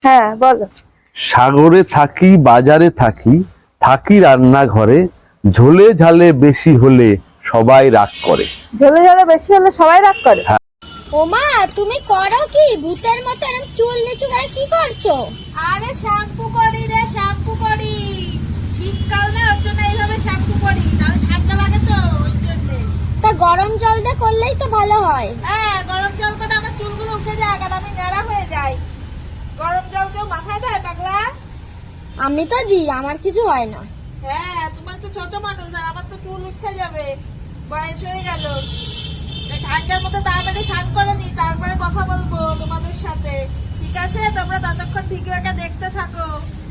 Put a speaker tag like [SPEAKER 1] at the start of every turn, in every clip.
[SPEAKER 1] হ্যাঁ বলো।
[SPEAKER 2] সাগরে থাকি বাজারে থাকি, থাকি রান্নাঘরে, ঝোলে ঝালে বেশি হলে সবাই রাগ করে।
[SPEAKER 1] ঝোলে ঝোলে বেশি হলে সবাই রাগ করে।
[SPEAKER 3] ওমা তুমি করো কি ভূতের মতো এরকম চুল নিচু করে কি করছো?
[SPEAKER 4] আরে শ্যাম্পু করি রে, শ্যাম্পু করি। শীতকাল না, ওর জন্য এইভাবে শ্যাম্পু করি, নাহলে ঠান্ডা লাগে তো ওর জন্য।
[SPEAKER 3] তা গরম জল দিয়ে করলেই তো ভালো হয়।
[SPEAKER 4] হ্যাঁ, গরম জল করে আমার চুলগুলো উঠে যায় আর আমি ন্যাড়া হয়ে যাই। গরম জল কেউ মাথায় দেয় পাগলা?
[SPEAKER 3] আমি তো দিই, আমার কিছু হয় না।
[SPEAKER 4] হ্যাঁ, তোমার তো ছোট মানুষ আর আমার তো চুল উঠে যাবে, বয়স হয়ে গেল। তাই ঠান্ডার মধ্যে তাড়াতাড়ি স্নান করে নি, তারপরে কথা বলবো তোমাদের সাথে। ঠিক আছে, তোমরা ততক্ষণ ভিডিওটা দেখতে থাকো।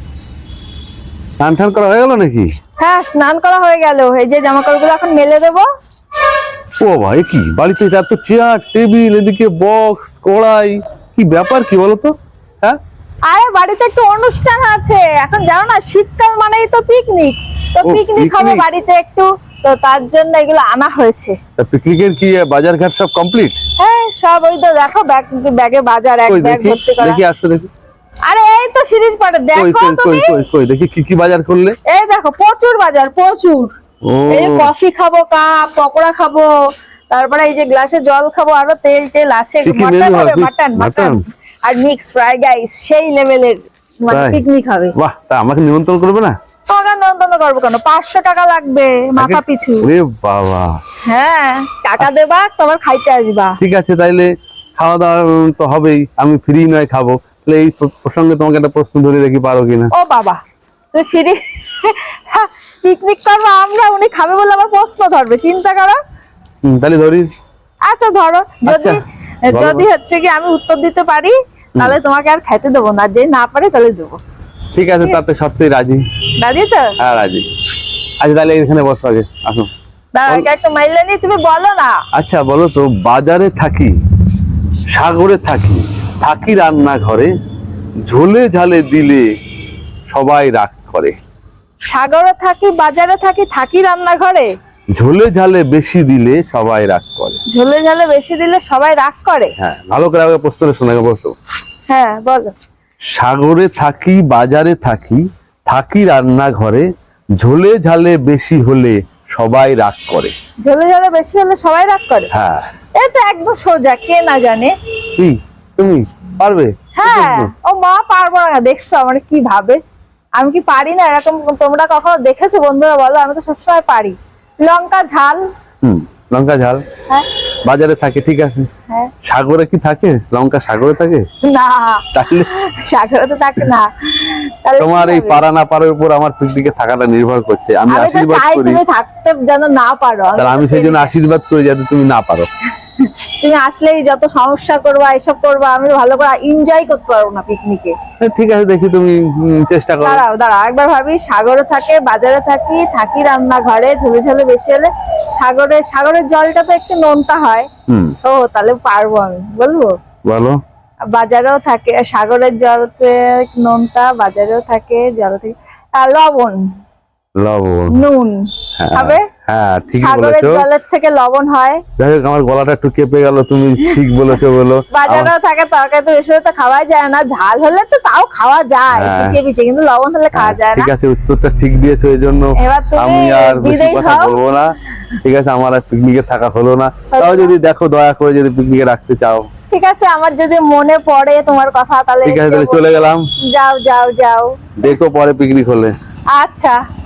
[SPEAKER 2] স্নান টান করা হয়ে গেল নাকি?
[SPEAKER 1] হ্যাঁ স্নান করা হয়ে গেল, এই যে জামা কাপড়গুলো এখন মেলে দেবো।
[SPEAKER 2] ও ভাই, কি বাড়িতে এত চেয়ার টেবিল, এদিকে বক্স কড়াই, কি ব্যাপার কি বলতো? হ্যাঁ,
[SPEAKER 1] আরে বাড়িতে একটু অনুষ্ঠান আছে, এখন জানো না শীতকাল মানেই তো পিকনিক, তো
[SPEAKER 2] ও,
[SPEAKER 1] পিকনিক হবে
[SPEAKER 2] picnic।
[SPEAKER 1] বাড়িতে একটু, তো তার জন্য এগুলো আনা হয়েছে।
[SPEAKER 2] পিকনিকের কি বাজার ঘাট সব কমপ্লিট?
[SPEAKER 1] হ্যাঁ সব, ওই তো দেখো ব্যাগে বাজার, এক
[SPEAKER 2] কই
[SPEAKER 1] ব্যাগ
[SPEAKER 2] দেখি,
[SPEAKER 1] ভর্তি করা।
[SPEAKER 2] দেখি আসো দেখি।
[SPEAKER 1] আরে এই তো সিঁড়ির পাড়ে
[SPEAKER 2] কই
[SPEAKER 1] দেখো
[SPEAKER 2] কই কই
[SPEAKER 1] তুমি,
[SPEAKER 2] কই কই দেখি কি কি বাজার করলে?
[SPEAKER 1] এই দেখো প্রচুর বাজার, প্রচুর।
[SPEAKER 2] ও
[SPEAKER 1] এই যে কফি খাবো, কাপ পকোড়া খাবো, তারপরে এই যে গ্লাসে জল খাবো, আরো তেল টেল আছে,
[SPEAKER 2] কি কি
[SPEAKER 1] মাটন
[SPEAKER 2] menu
[SPEAKER 1] হবে,
[SPEAKER 2] হবে?
[SPEAKER 1] Mutton
[SPEAKER 2] mutton?
[SPEAKER 1] মাটন আর মিক্স ফ্রাইড রাইস, সেই লেভেলের মানে
[SPEAKER 2] তাই?
[SPEAKER 1] পিকনিক হবে।
[SPEAKER 2] বাহ, তা আমাকে নিমন্ত্রণ করবে না?
[SPEAKER 1] তোমাকে নন্দন করবো কেন, 500 টাকা লাগবে মাথা পিছু।
[SPEAKER 2] ওরে বাবা,
[SPEAKER 1] হ্যাঁ টাকা দেবা, তোমার খাইতে আসবা।
[SPEAKER 2] ঠিক আছে, তাইলে খাওয়া দাওয়া তো হবেই, আমি ফ্রি নয় খাবো। তাহলে এই প্রসঙ্গে তোমাকে একটা প্রশ্ন ধরে দেখি, পারো কিনা।
[SPEAKER 1] ও বাবা, তুমি ফিরি পিকনিক করবো আমরা, উনি খাবে বলে আমার প্রশ্ন ধরবে, চিন্তা করো।
[SPEAKER 2] তাহলে ধরি।
[SPEAKER 1] আচ্ছা ধরো,
[SPEAKER 2] আচ্ছা,
[SPEAKER 1] যদি
[SPEAKER 2] বলো।
[SPEAKER 1] যদি হচ্ছে কি আমি উত্তর দিতে পারি তাহলে তোমাকে আর খাইতে দেবো না, যে না পারে তাহলে দেবো।
[SPEAKER 2] ঠিক আছে, তাতে সত্যি রাজি।
[SPEAKER 1] দাদি তো
[SPEAKER 2] হ্যাঁ রাজি। আচ্ছা তাহলে এখানে বসো আগে, আসো।
[SPEAKER 1] দাদাকে একটা মাইলে নি, তুমি বলো না।
[SPEAKER 2] আচ্ছা বলো তো, বাজারে থাকি সাগরে থাকি, থাকি রান্নাঘরে, ঝোলে ঝালে দিলে সবাই রাগ করে।
[SPEAKER 1] সাগরে থাকি বাজারে থাকি, থাকি রান্নাঘরে,
[SPEAKER 2] ঝোলে ঝালে বেশি দিলে সবাই রাগ করে।
[SPEAKER 1] ঝোলে ঝালে বেশি দিলে সবাই রাগ করে।
[SPEAKER 2] হ্যাঁ, ভালো করে আগে প্রশ্নটা শোনা, বসো।
[SPEAKER 1] হ্যাঁ বলো।
[SPEAKER 2] সাগরে থাকি বাজারে থাকি, থাকি রান্নাঘরে, ঝোলে ঝালে বেশি হলে সবাই রাগ করে।
[SPEAKER 1] ঝোলে ঝালে বেশি হলে সবাই রাগ করে,
[SPEAKER 2] হ্যাঁ,
[SPEAKER 1] এই তো একদম সোজা, কে না জানে।
[SPEAKER 2] কি তুমি পারবে?
[SPEAKER 1] হ্যাঁ, ও মা পারবো না, দেখছো আমার কি ভাবে, আমি কি পারি না এরকম? তোমরা কখনো দেখেছো বন্ধুরা, বলো, আমি তো সবসময় পারি। লঙ্কা ঝাল।
[SPEAKER 2] লঙ্কা ঝাল
[SPEAKER 1] হ্যাঁ
[SPEAKER 2] বাজারে থাকে, ঠিক আছে।
[SPEAKER 1] হ্যাঁ,
[SPEAKER 2] সাগরে কি থাকে? লঙ্কা সাগরে থাকে?
[SPEAKER 1] না
[SPEAKER 2] তাহলে
[SPEAKER 1] সাগরে তো থাকে না। তাহলে
[SPEAKER 2] তোমার
[SPEAKER 1] কি
[SPEAKER 2] এই
[SPEAKER 1] হবে?
[SPEAKER 2] পারা না পারার উপর আমার পিকনিকে থাকাটা নির্ভর করছে। আমি
[SPEAKER 1] আমি তো
[SPEAKER 2] আশীর্বাদ
[SPEAKER 1] চাই
[SPEAKER 2] করি,
[SPEAKER 1] তুমি থাকতে যেন না পারো,
[SPEAKER 2] তাহলে আমি সেই জন্য আশীর্বাদ করি যাতে তুমি না পারো।
[SPEAKER 1] তুমি আসলেই যত সমস্যা করবা, এসব করবা, আমি তো ভালো করে এনজয় করতে পারবো না পিকনিকে।
[SPEAKER 2] ঠিক আছে, দেখি তুমি চেষ্টা করো।
[SPEAKER 1] দাঁড়াও দাঁড়াও, একবার ভাবি। সাগরে থাকে বাজারে থাকি, থাকি রান্নাঘরে, ঝোলে ঝোলে বেশি হলে সাগরের জলটা তো একটু নোনতা হয়, ও তাহলে পারবো আমি, বলবো।
[SPEAKER 2] বলো।
[SPEAKER 1] বাজারেও থাকে, সাগরের জলতে নোনতা, বাজারেও থাকে, জল থেকে লবণ,
[SPEAKER 2] লবণ।
[SPEAKER 1] নুন
[SPEAKER 2] হ্যাঁ,
[SPEAKER 1] হবে।
[SPEAKER 2] হ্যাঁ ঠিক
[SPEAKER 1] সাগরের
[SPEAKER 2] বলেছো।
[SPEAKER 1] জলের থেকে লবণ হয়।
[SPEAKER 2] যাই হোক, আমার গলাটা একটু কেঁপে গেল, তুমি ঠিক বলেছো বলো।
[SPEAKER 1] বাজারেও থাকে, তরকারি তো বেশি হলে তো খাওয়া যায় না, ঝাল হলে তো তাও খাওয়া যায়
[SPEAKER 2] হ্যাঁ।
[SPEAKER 1] শিশিয়ে পিছিয়ে, কিন্তু লবণ হলে খাওয়া যায় না।
[SPEAKER 2] ঠিক আছে, উত্তরটা ঠিক দিয়েছো, এই জন্য
[SPEAKER 1] এবার তুমি
[SPEAKER 2] আমি আর বেশি
[SPEAKER 1] বিদায়
[SPEAKER 2] কথা
[SPEAKER 1] হও।
[SPEAKER 2] বলবো না। ঠিক আছে, আমার আর পিকনিকে থাকা হলো না। তাও যদি দেখো, দয়া করে যদি পিকনিকে রাখতে চাও।
[SPEAKER 1] ঠিক আছে, আমার যদি মনে পড়ে তোমার কথা তাহলে
[SPEAKER 2] ঠিক আছে, তাহলে
[SPEAKER 1] যাবো।
[SPEAKER 2] চলে গেলাম।
[SPEAKER 1] যাও যাও যাও।
[SPEAKER 2] দেখো পরে পিকনিক হলে।
[SPEAKER 1] আচ্ছা।